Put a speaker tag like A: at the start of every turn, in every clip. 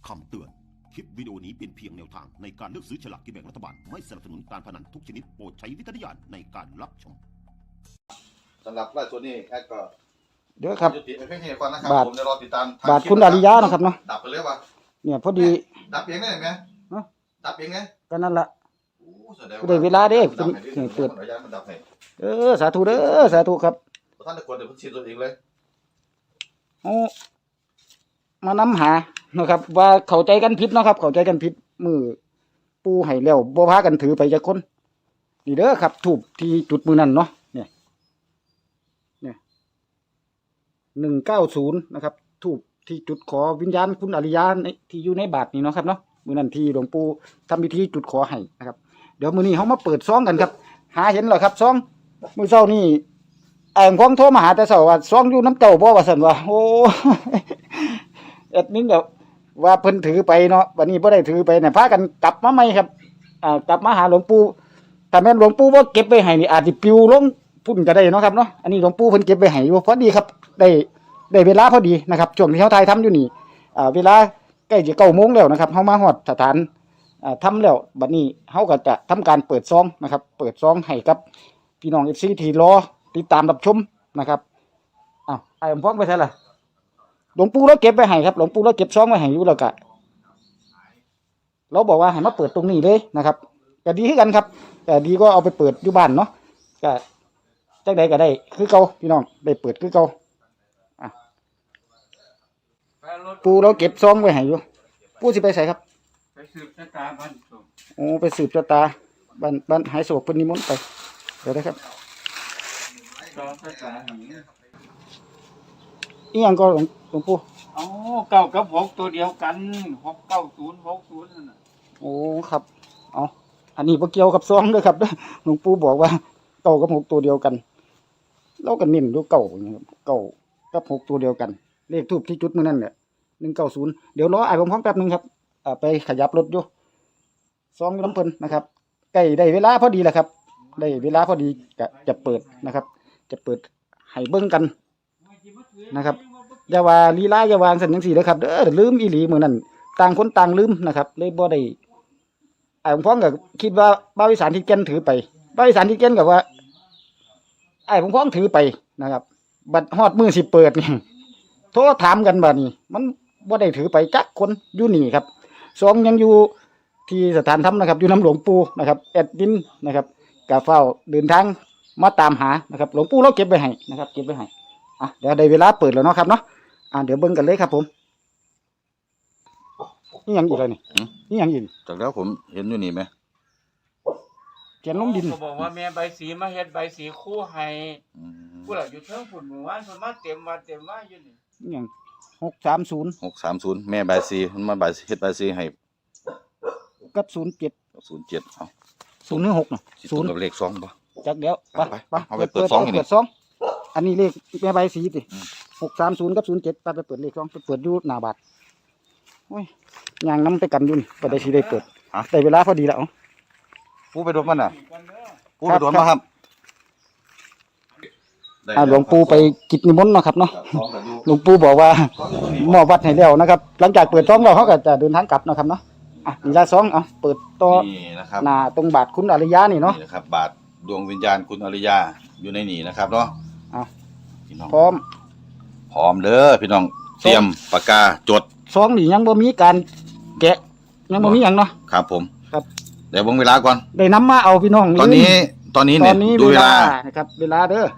A: คำเตือน คลิปวิดีโอนี้เป็นเพียงแนวทางในการเลือกซื้อฉลากกินแบ่งรัฐบาล ไม่สนับสนุนการพนันทุกชนิดโปรดใช้วิจารณญาณในการรับชม
B: สำหรับล่าสุดนี้แอดก็
C: เดี๋ยวครับ
B: ยุติเพียงแค่นี้ก่อนนะครับ
C: บาท
B: ผมจะรอติดตามทง
C: บาทคุณอาริยะนะครับเนาะ
B: ดับไปเลยวะ
C: เนี่ยพอดี
B: ดับเองได้ไหม
C: ฮะ
B: ดับเองไง
C: ก็นั่นละ
B: โอ้แสดง
C: ได้เวลาเด้
B: ดับให้
C: ถึงเปิด
B: มันระยะมันดับให้
C: สาธุเด้อสาธุครับ
B: ท่านตะกวนเดี๋ยวเพิ่งฉีดตัวเองเลย
C: เอามานำหานะครับ ว่าเข้าใจกันผิดเนาะครับ เข้าใจกันผิดมือปูให้แล้วบ่พากันถือไปจักคนนี่เด้อครับถูกที่จุดมือนั่นเนาะเนี่ย190นะครับถูกที่จุดขอวิญญาณคุณอริยาในที่อยู่ในบาทนี่เนาะครับเนาะมือนั่นที่หลวงปู่ทำพิธีจุดขอให้นะครับเดี๋ยวมื้อนี้เฮามาเปิดซองกันครับ หาเห็นเหรอครับซองมื้อเช้านี่ไอ้ของโทรมาหาแต่เช้าว่าซองอยู่น้ำเจ้าบ่ว่าซั่นว่าโอ้ แอดมินก็ว่าเพิ่นถือไปเนาะวันนี้บ่ได้ถือไปเนี่ยพากันกลับมาใหม่ครับกลับมาหาหลวงปู่ถ้าแม่นหลวงปู่บ่เก็บไว้ให้นี่อาจสิปลิวลงพุ่นก็ได้เนาะครับเนาะอันนี้หลวงปู่เพิ่นเก็บไว้ให้อยู่พอดีครับได้เวลาพอดีนะครับช่วงที่เฮาถ่ายทำอยู่นี่เวลาใกล้จะ9 โมงแล้วนะครับเฮามาฮอดสถานทำแล้วบัดนี้เฮาก็จะทำการเปิดซองนะครับเปิดซองให้กับพี่น้อง FC ที่รอติดตามรับชมนะครับอ้าวไอ้ผมฟ้องไปใช่ล่ะหลวงปู่เราเก็บไว้ให้ครับหลวงปู่เราเก็บซองไว้ให้อยู่แล้วก็เราบอกว่าให้มาเปิดตรงนี้เลยนะครับก็ดีคือกันครับแต่ดีก็เอาไปเปิดอยู่บ้านเนาะก็จักใดก็ได้คือเก่าพี่น้องได้เปิดคือเก่าปู่เราเก็บซองไว้ให้อยู่ปู่สิไปใส่ครับ
D: ไปสืบชะตาบ้านส่ง
C: โอ้ไปสืบชะตาบ้านหายโศกเพิ่นนิมนต์ไปเดี๋ยวนะครับ
D: จอชะตาหิง
C: อีหยังก็หลวงปู่
D: อ๋อเก้ากับหกตัวเดียวกัน69060นั่นน่ะ
C: โอ้ครับเอาอันนี้บ่เกี่ยวกับซองเด้อครับหลวงปู่บอกว่าเก้ากับ6ตัวเดียวกันเราก็เน้นอยู่เก้านี่ครับเก้ากับ6ตัวเดียวกันเลขทูปที่จุดมื้อนั้นเนี่ย190เดี๋ยวรออ้ายผมพร้อมแป๊บนึงครับไปขยับรถอยู่ซองอยู่น้ำเพิ่นนะครับใกล้ได้เวลาพอดีแล้วครับได้เวลาพอดีก็จะเปิดนะครับ จะเปิดให้เบิ่งกันนะครับอย่าว่าลีลาอย่าวางซั่นจังซี่เด้อครับเด้อลืมอีหลีมื้อนั้นต่างคนต่างลืมนะครับเลยบ่ได้ผมพ้องก็คิดว่าบ้าวอีสานที่แก่นถือไปบ้าวอีสานที่แก่นก็ว่าผมพ้องถือไปนะครับบัดฮอดมื้อสิเปิดนี่โทรถามกันบัดนี้มันบ่ได้ถือไปจักคนอยู่นี่ครับสองยังอยู่ที่สถานธรรมนะครับอยู่น้ำหลวงปู่นะครับแอดมินนะครับกะเฝ้าเดินทางมาตามหานะครับหลวงปู่เราเก็บไว้ให้นะครับเก็บไว้ให้เดี๋ยวได้เวลาเปิดแล้วเนาะครับเนาะเดี๋ยวเบิ่งกันเลยครับผมนี่ยังอีกเลยนี่ยังอีก
B: จากแล้วผมเห็นอยู่นี่ไหม
C: เขียนลงดิน
D: ก็บอกว่าแม่ใบสีมาเฮ็ดใบสีคู่ให้
B: อืม
D: ผู้หลักอยู่เทิงฝุ่นหมู่บ้านเพิ่นมาเต็มมาอยู่นี่
C: นี่ยัง630
B: 630แม่ใบายซีมันมาใบายเฮ็ดใบายซีให้
C: กับ07
B: 07เอา
C: 016น่ะ
B: สิตรงกับเลข2บ่
C: จักเดี๋ยวไป
B: ไปเอาไปเปิดซองอีกนี่
C: เปิดซองอันนี้เลขแม่ใบสีติ
B: อืม
C: 630กับ07ไปเปิดเลขซองไปเปิดอยู่หน้าบาทโอ้ยย่างนำไปกันอยู่นี่บ่ได้สิได้เปิดได้เวลาพอดีแล้ว
B: ปูไปโดนมันน่ะ
D: กันเด้อ
B: ปูไปโดนมาครับ
C: หลวงปู่ไปกิจนิมนต์เนาะครับเนาะ
B: ซองก็อยู่
C: หลวงปู่บอกว่ามอบวัดให้แล้วนะครับ หลังจากเปิดซองแล้วเขาก็จะเดินทางกลับเนาะครับเนาะนี่ละซองเปิดต่อ
B: นี่นะครับ
C: หน้าตรงบาทคุณอริยะนี่เนาะ
B: นี่นะครับบาทดวงวิญญาณคุณอริยาอยู่ในนี่นะครับเนาะ
C: เอา
B: พี่น้อง
C: พร้อม
B: พร้อมเด้อพี่น้องเตรียมปากกาจด
C: ซองนี่ยังบ่มีการแกะยังบ่มีหยังเนาะ
B: ครับผม
C: ครับ
B: เดี๋ยวเบิ่งเวลาก่อน
C: ได้นำมาเอาพี่น้อง
B: ตอนนี้
C: ตอน
B: เนี่ย
C: นี้
B: ดู
C: เว
B: เว
C: ลา
B: ลา
C: นะครับเวลาเด้อ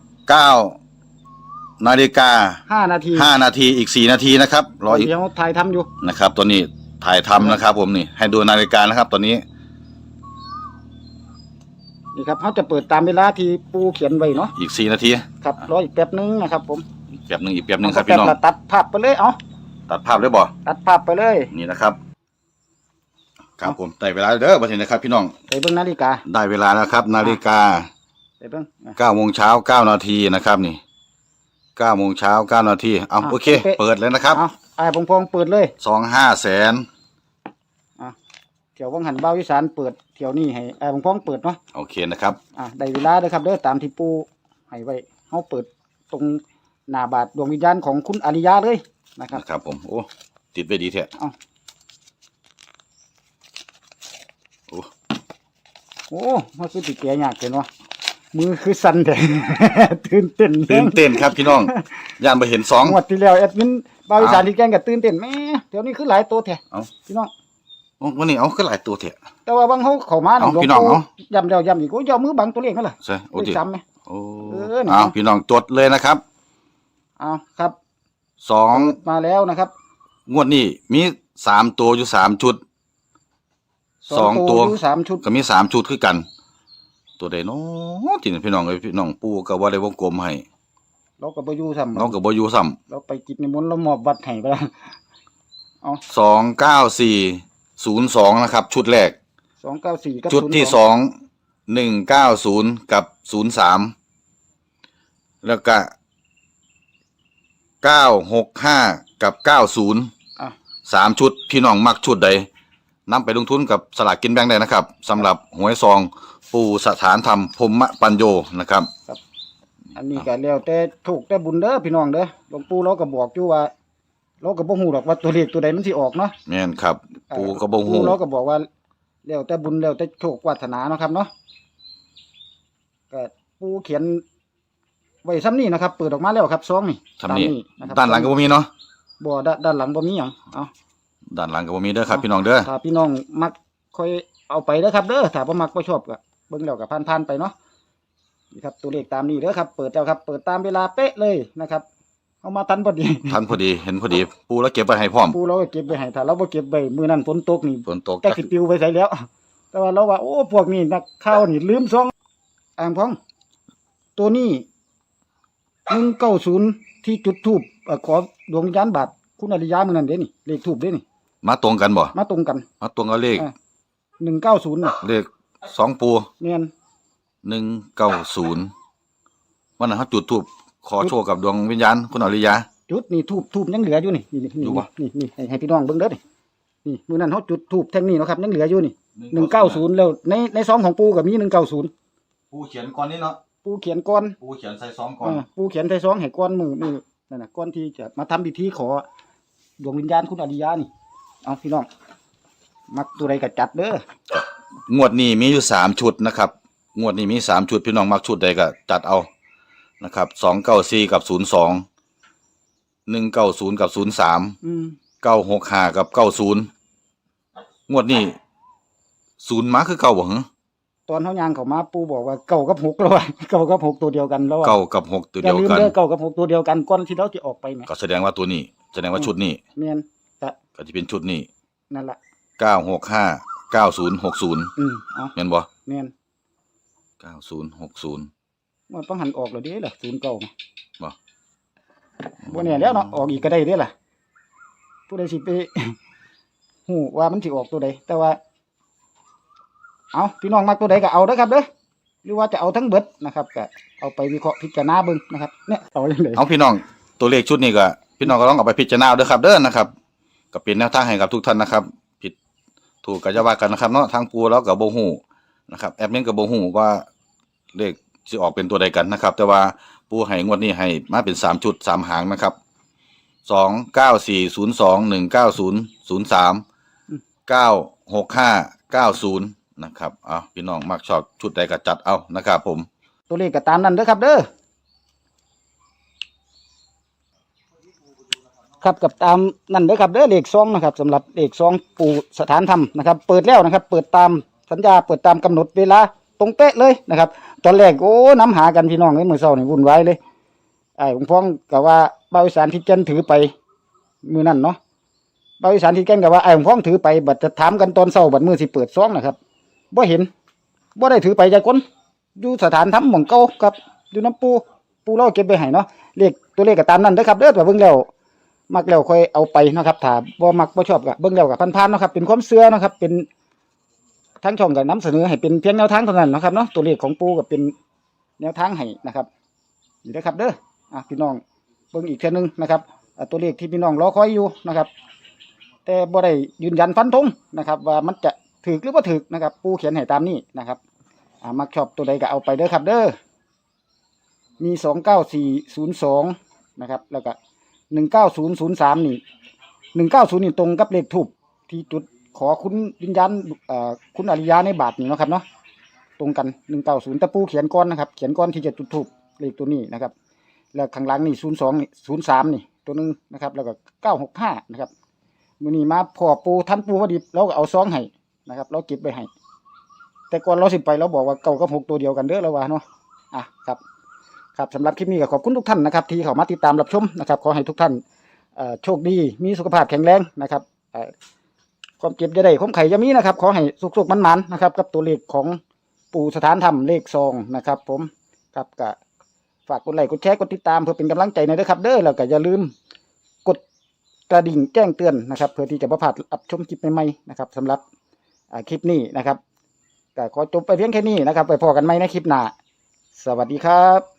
B: 9 นาฬิกา
C: 5 นาที
B: 5 นาทีอีก 4 นาทีนะครับรออีก
C: เดี๋ยวถ่ายทำอยู่
B: นะครับตอนนี้ถ่ายทำนะครับ ผมนี่ให้ดูนาฬิกานะครับ ตอนนี้
C: นี่ครับเขาจะเปิดตามเวลาที่ปูเขียนไว้เนาะ
B: อีก 4 นาที
C: ครับรออีกแป๊บนึงนะครับผม
B: อีกแป๊บหนึงอีกแป๊บหนึงครับพี่น้อง
C: แป๊ละตัดภาพไปเลย
B: ตัดภาพได้บ่
C: ตัดภาพไปเลย
B: นี่นะครับ ครับผมได้เวลาเด้อบัดนี้นะครับ พี่น้อง
C: ไปเบิ่งนาฬิกา
B: ได้เวลาแล้วครับ นาฬิกา
C: ไปเบิ่ง
B: 9 โมงเช้า 9 นาทีนะครับนี่9 โมงเช้า 9 นาทีเอาโอเค เปิดเลยนะครับ
C: ผมพองเปิดเลย
B: 25 แสน
C: เที่ยววังหันเบ้าอีสานเปิดเที่ยวนี้ให้ผมพองเปิดเนาะ
B: โอเคนะครับ
C: ได้เวลาเด้อครับเด้อตามที่ปูให้ไว้เฮาเปิดตรงหน้าบาทดวงวิญญาณของคุณอริยะเลยนะครับ
B: นะครับผมโอ้ติดไว้ดีแท้
C: เอาโอ้มันคือติแก่ยากเลยเนาะมือคือสั่นแต่ ตื่นเต้น
B: ตื่นเต้นครับพี่น้องย่านไปเห็นสอง
C: งวดที่แล้วแอดมินบาวอีสานที่แกงก็ตื่นเต้นแม่เดี๋ยวนี้คือหลายตัวแท้
B: เอา
C: พี่น้อง
B: วันนี้เอาก็หลายตัวเถอะ
C: แต่ว่าบางเขาเข้ามา
B: เอา
C: หลวง
B: พี่น้อง
C: ปู่
B: เอา
C: ย้ำแล้วย้ำอีกโอ้ยยอมมือบังตัวเลขนั่นล่ะ
B: ใช่โอ้
C: เล
B: ดิ
C: ขซ้ำไหม
B: โอ้
C: นี่
B: เอาพี่น้องจดเลยนะครับ
C: เอาครับ
B: สอง
C: มาแล้วนะครับ
B: งวดนี้มี3ตัวอยู่3ชุด2ตัว
C: อยู่3ชุด
B: ก็มี3ชุดคือกัน ตัวใดเนาะที่นี่พี่น้องเอ้ยพี่น้องปู่ก็บ่ได้วงกลมให้
C: เราก็บ่อยู่ซ้ำ
B: น้องก็บ่อยู่ซ้ำ
C: เราไปกินในมนต์เรามอบบัตรให้ไปแล้ว
B: 29402นะครับ ชุดแรก
C: 294กับ
B: ชุดที่
C: 02
B: สอง190กับ03แล้วก็965กับ90
C: อ่ะ
B: 3ชุดพี่น้องมักชุดใดนำไปลงทุนกับสลากกินแบ่งได้นะครับสำหรับหวยซองปู่สถานธรรมพรหมปัญโยนะครับ
C: อันนี้ก็แล้วแต่ถูกแต่บุญเด้อพี่น้องเด้อหลวงปู่เราก็บอกอยู่ว่าเราก็บ่ฮู้หรอกว่าตัวเลขตัวใดมันสิออกเนาะ
B: แม่นครับ ปู่ก็บ่ฮู้
C: ปู่เราก็บอกว่าแล้วแต่บุญแล้วแต่โชควาสนาเนาะครับเนาะก็ปู่เขียนไว้ซ้ำนี้นะครับเปิดออกมาแล้วครับซองนี่
B: ทำนี่
C: ตามะครับ
B: ด้านหลังก็บ่มีเนาะ
C: บ่ด้านหลังบ่มีหยังเอา
B: ด้านหลังก็บ่มีเด้อครับพี่น้องเด้อ
C: ถ้าพี่น้องมักค่อยเอาไปเด้อครับเด้อถ้าบ่มักบ่ชอบก็เบิ่งแล้วก็ผ่านๆไปเนาะนี่ครับตัวเลขตามนี้เด้อครับเปิดแล้วครับเปิดตามเวลาเป๊ะเลยนะครับเอามาทันพอดี
B: ทันพอดีเห็นพอดีปู่แล้วเก็บไว้ให้พร้อม
C: ปูเราก็เก็บไว้ให้ถ้าเราบ่เก็บไว้มื้อนั้นฝนตกนี่
B: ฝนตก
C: แต่สิปลิวไปไสแล้ว แต่ว่าเราว่าโอ้พวกนี้นักข่าวนี่ลืมซองอ่างพองตัวนี้190ที่จุดธูปขอดวงวิญญาณบาทคุณอริยามื้อนั้นเด้นี่เลขธูปเด้นี่
B: มาตรงกันบ่
C: มาตรงกัน
B: มาตรงกับเลข
C: 190น่ะ
B: เลข2ปู่
C: แม่น
B: 190วันนั้นเขาจุดธูปขอโชคกับดวงวิญญาณคุณอริยา
C: จุดนี่ทูบยังเหลืออยู่นี่นี่
B: อยู่ปะ
C: นี่ให้พี่น้องเบิ่งเด้อนี่มื้อนั้นเฮาจุดทูบแท่งนี้เนาะครับยังเหลืออยู่นี่190แล้วในซองของปู่ก็มี190
B: ปู่เขียนก่อนนี่เนาะ
C: ปู่เขียนก่อน
B: ปู่เขียนใส่2ก่อน
C: ปู่เขียนใส่ซองให้ก่อนมือนั่นน่ะก่อนที่จะมาทำพิธีขอดวงวิญญาณคุณอริยานี่เอาพี่น้องมักตัวใดก็จัดเด้อง
B: วดนี้มีอยู่3ชุดนะครับงวดนี้มี3ชุดพี่น้องมักชุดใดก็จัดเอานะครับ294กับ02 190กับ03 965กับ90งวดนี้0มาคือเก่าบ่หึ
C: ตอนเฮาย่างเข้ามาปู่บอกว่าเก้ากับ6แล้วว่าเก้ากับ6ตัวเดียวกันแล้วว่า
B: เก้ากับ6ตัว
C: อย่า
B: เดียว
C: ลืม
B: กัน
C: เด้อเก้ากับ6ตัวเดียวกันก่อนที่เราจะออกไปแหม
B: ก็แสดงว่าตัวนี้แสดงว่าชุดนี้
C: แม่นก็
B: ก็จะเป็นชุดนี้
C: นั่นล่ะ
B: 965 9060
C: เอา
B: แม่นบ่
C: แม่น
B: 9060
C: มันต้องหันออกแล้วเด้ล่ะ09
B: บ่
C: บ่แน่แล้วเนาะออกอีกก็ได้เด้ล่ะผู้ใดสิไป ฮู้ว่ามันสิออกตัวใดแต่ว่าเอาพี่น้องมักตัวใดก็เอาเด้อครับเด้อหรือว่าจะเอาทั้งเบิดนะครับก็เอาไปวิเคราะห์พิจารณาเบิ่งนะครับเนี่ยเอาจังได๋
B: เอาพี่น้องตัวเลขชุดนี้ก็พี่น้องก็ต้องเอาไปพิจารณาด้วยครับเด้อนะครับก็เป็นแนวทางให้กับทุกท่านนะครับ ผิดถูกก็จะว่ากันนะครับเนาะทางปูแล้วก็บ่ฮู้นะครับแอดมินก็บ่ฮู้ว่าเลขสิออกเป็นตัวใดกันนะครับ แต่ว่าปูให้งวดนี้ให้มาเป็น3ชุด3หางนะครับ29402 190 03 965 90นะครับเอาพี่น้องมักชอบชุดใดก็จัดเอานะครับผม
C: ตัวเลขก็ตามนั้นเด้อครับเด้อครับกับตามนั่นเด้อครับเด้อเลขซองนะครับสำหรับเลขซองปู่สถานธรรมนะครับ เปิดแล้วนะครับ เปิดตามสัญญาเปิดตามกำหนดเวลาตรงเป๊ะเลยนะครับตอนแรกโอ้น้ำหากันพี่น้องเอ้ยมื้อเช้านี่วุ่นวายเลยหลวงพ่อก็ว่าบ่าวอีสานที่แก่นถือไปมื้อนั้นเนาะบ่าวอีสานที่แก่นก็ว่าหลวงพ่อถือไปบัดจะถามกันตอนเช้าบัดมื้อสิเปิดซองนะครับบ่เห็นบ่ได้ถือไปจักคนอยู่สถานธรรมหม่องเก่าครับอยู่น้ำปูเราเก็บไว้ให้เนาะเลขตัวเลขก็ตามนั้นเด้อครับเด้อแต่เบิ่งแล้วมักแล้วค่อยเอาไปเนาะครับถ้าบ่มักบ่ชอบก็เบิ่งแล้วก็ผ่านๆเนาะครับเป็นความเชื่อเนาะครับเป็นทั้งช่องก็นำเสนอให้เป็นเพียงแนวทางเท่านั้นเนาะครับเนาะตัวเลขของปูก็เป็นแนวทางให้นะครับนี่เด้อครับเด้อพี่น้องเบิ่งอีกเทื่อนึงนะครับตัวเลขที่พี่น้องรอคอยอยู่นะครับ แต่บ่ได้ยืนยันฟันธงนะครับ ว่ามันจะถูกหรือบ่ถูกนะครับ ปูเขียนให้ตามนี้นะครับมักชอบตัวใดก็เอาไปเด้อครับเด้อมี29402นะครับแล้วก็19003นี่190นี่ตรงกับเลขทูปที่จุดขอคุณวิญญาณคุณอริยาในบาทนี่เนาะครับเนาะตรงกัน190ตะปูเขียนก้อนนะครับเขียนก้อนที่จะจุดทูบเลขตัวนี้นะครับแล้วข้างหลังนี่02นี่03นี่ตัวนึงนะครับแล้วก็965นะครับมื้อนี้มาพ่อปูท่านปูพอดีเราก็เอาซองให้นะครับเราเก็บไว้ให้แต่ก่อนเราสิไปเราบอกว่า9กับ6ตัวเดียวกันเด้อแล้วว่าเนาะครับครับสำหรับคลิปนี้ก็ขอบคุณทุกท่านนะครับที่เข้ามาติดตามรับชมนะครับขอให้ทุกท่านโชคดีมีสุขภาพแข็งแรงนะครับความเจ็บจะได้ความไข่จะมีนะครับขอให้สุขๆมันๆนะครับกับตัวเลขของปู่สถานธรรมเลขซองนะครับผมครับก็ฝากกดไลค์กดแชร์กดติดตามเพื่อเป็นกำลังใจหน่อยนะครับเด้อแล้วก็อย่าลืมกดกระดิ่งแจ้งเตือนนะครับเพื่อที่จะบ่พลาดรับชมคลิปใหม่ๆนะครับสำหรับคลิปนี้นะครับก็ขอจบไปเพียงแค่นี้นะครับไปพอกันใหม่ในคลิปหน้าสวัสดีครับ